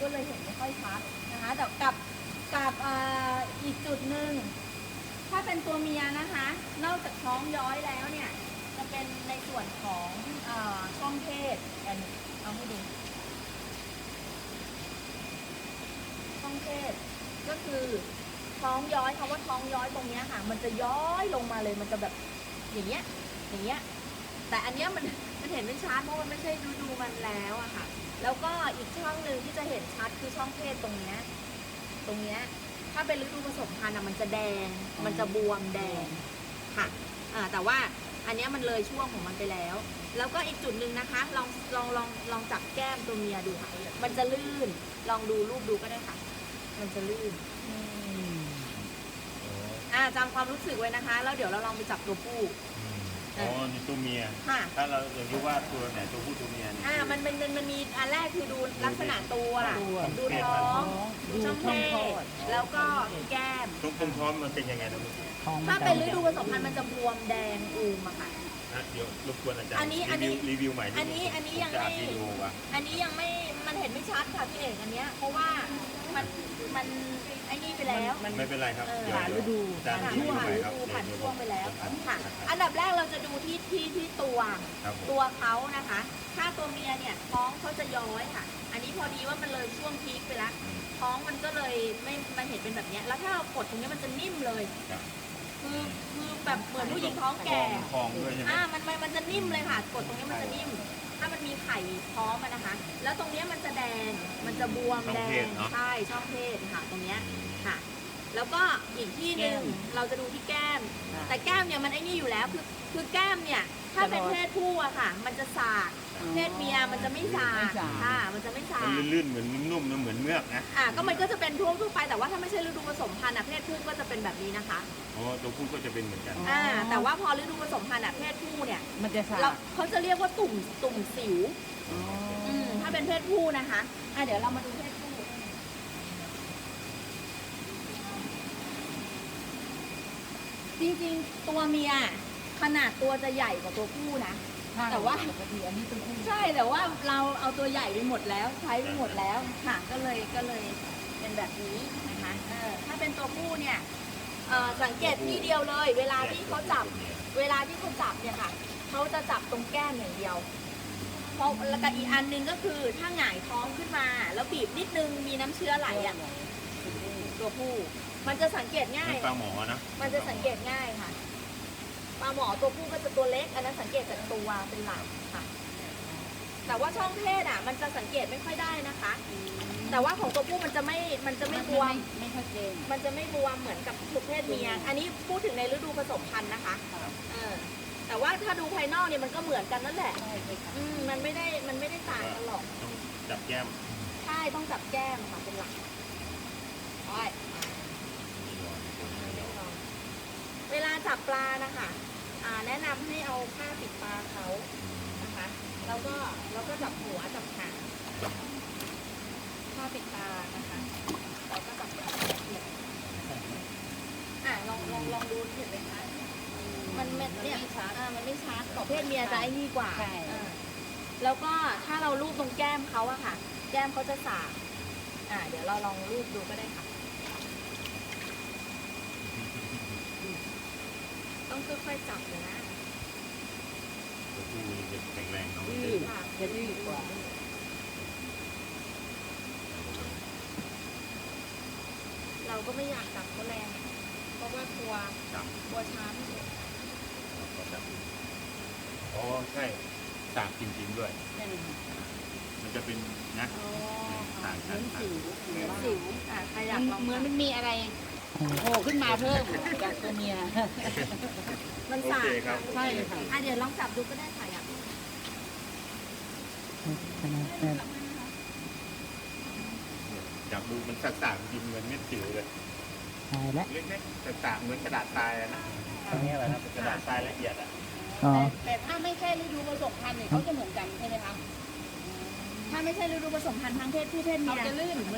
เลยเห็นไม่ค่อยชัดนะคะแต่กับอีกจุดหนึ่งถ้าเป็นตัวเมียนะคะ นอกจากท้องย้อยแล้วเนี่ยจะเป็นในส่วนของช่องเพศกันเอาให้ดูช่องเพศก็คือท้องย้อยคำว่าท้องย้อยตรงเนี้ยค่ะมันจะย้อยลงมาเลยมันจะแบบอย่างเงี้ยแต่อันเนี้ยมันเห็นไม่ชัดเพราะมันไม่ใช่ฤดูมันแล้วอะค่ะแล้วก็อีกช่องหนึ่งที่จะเห็นชัดคือช่องเพศตรงเนี้ยถ้าเป็นฤดูผสมพันธุ์มันจะแดงมันจะบวมแดงค่ะแต่ว่าอันเนี้ยมันเลยช่วงของมันไปแล้วแล้วก็อีกจุดหนึ่งนะคะลองจับแก้มตัวเมียดูค่ะมันจะลื่นลองดูรูปดูก็ได้ค่ะมันจะลื่นจำความรู้สึกไว้นะคะแล้วเดี๋ยวเราลองไปจับตัวผู้นี่ตัวเมียถ้าเราอยากรู้ว่าตัวไหนตัวผู้ตัวเมียเนี่ยมันมีอันแรกคือดูลักษณะตัวดูท้องดูช่องเพศแล้วก็แก้มตรงท้องมันเป็นยังไงนะถ้าเป็นฤดูผสมพันธุ์มันจะบวมแดงอูมอะค่ะเดี๋ยวรบกวนอาจารย์รีวิวใหม่อันนี้ยังไม่มันเห็นไม่ชัดค่ะพี่เอกอันเนี้ยเพราะว่ามันไอ้นี่ไปแล้วไม่เป็นไรครับผ่านฤดูผ่านช่วงไปแล้วค่ะอันดับแรกเราจะดูที่ตัวเขานะคะ ถ้าตัวเมียเนี่ยท้องเขาจะย้อยค่ะอันนี้พอดีว่ามันเลยช่วงพีคไปแล้วท้องมันก็เลยไม่มันเห็นเป็นแบบนี้แล้วถ้าเรากดตรงนี้มันจะนิ่มเลยคือแบบเหมือนผู้หญิงท้องแก่มันจะนิ่มเลยค่ะกดตรงนี้มันจะนิ่มถ้ามันมีไข่ท้องมันนะคะแล้วตรงนี้มันจะแดงมันจะบวมแดงใช่ช่องเพศค่ะตรงนี้ค่ะแล้วก็อีกที่หนึ่งเราจะดูที่แก้มแต่แก้มเนี่ยมันไอ้นี่อยู่แล้วคือแก้มเนี่ยถ้าเป็นเพศผู้อะค่ะมันจะสากเพศเมียมันจะไม่สากค่ะมันจะไม่สากมันลื่นๆเหมือนนุ่มๆนะเหมือนเมือกนะก็มันก็จะเป็นทั่วไปแต่ว่าถ้าไม่ใช่ฤดูผสมพันธุ์เพศผู้ก็จะเป็นแบบนี้นะคะตัวผู้ก็จะเป็นเหมือนกันแต่ว่าพอฤดูผสมพันธุ์เพศผู้เนี่ยมันจะสากเขาจะเรียกว่าตุ่มสิวถ้าเป็นเพศผู้นะคะเดี๋ยวเรามาดูเพศผู้จริงๆตัวเมียขนาดตัวจะใหญ่กว่าตัวผู้นะแต่ว่าปกติอันนี้เป็นผู้ใช่แต่ว่าเราเอาตัวใหญ่ไปหมดแล้วใช้ไปหมดแล้วค่ะก็เลยเป็นแบบนี้นะคะถ้าเป็นตัวผู้เนี่ยสังเกตที่เดียวเลยเวลาที่เขาจับเนี่ยค่ะเขาจะจับตรงแก้มอย่างเดียวเพราะแล้วก็อีกอันนึงก็คือถ้าหงายท้องขึ้นมาแล้วบีบนิดนึงมีน้ำเชื้อไหลตัวผู้มันจะสังเกตง่ายปลาหมอนะมันจะสังเกตง่ายค่ะปลาหมอตัวผู้ก็จะตัวเล็กอันนั้นสังเกตจากตัวเป็นหลักค่ะแต่ว่าช่องเพศมันจะสังเกตไม่ค่อยได้นะคะแต่ว่าของตัวผู้มันจะไม่บวมไม่ชัดเจนมันจะไม่บวมเหมือนกับทุกเพศเมียอันนี้พูดถึงในฤดูผสมพันธุ์นะคะแต่ว่าถ้าดูภายนอกเนี่ยมันก็เหมือนกันนั่นแหละมันไม่ได้ต่างกันหรอกต้องจับแก้มใช่ต้องจับแก้มค่ะเป็นหลักเวลาจับปลานะคะแนะนำให้เอาผ้าปิดปลาเขานะคะแล้วก็จับหัวจับหางผ้าปิดตานะคะแล้วก็จับลองดูเห็นไหมคะมันเนี่ยมันไม่ชัดของเพศเมียจะไอ้นี่กว่าแล้วก็ถ้าเราลูบตรงแก้มเขาอะค่ะแก้มเขาจะสากเดี๋ยวเราลองลูบดูก็ได้ค่ะต้องค่อยๆจับเลยนะตัวผู้จะแข็งแรงเนาะจะดื้อกว่าเราก็ไม่อยากจับเขาแรงเพราะว่ากลัวช้ำใช่สากจริงๆด้วยมันจะเป็นนะต่างกันสิวใครอยากลองเหมือนมันมีอะไรโผล่ขึ้นมาเพิ่มจากตัวเมียมันสากใช่ค่ะเดี๋ยวลองจับดูก็ได้ค่ะอยากจับดูมันสากๆจริงเหมือนเม็ดสิวเลยเล็กๆสากๆเหมือนกระดาษทรายนะตรงนี้อะไรนะเป็นกระดาษทรายละเอียดแต่ถ้าไม่ใช่ฤดูผสมพันธุ์เนี่ยเขาจะเหมือนกันใช่ไหมคะถ้าไม่ใช่ฤดูผสมพันธุ์ทั้งเพศผู้เพศเมียเขาจะลื่น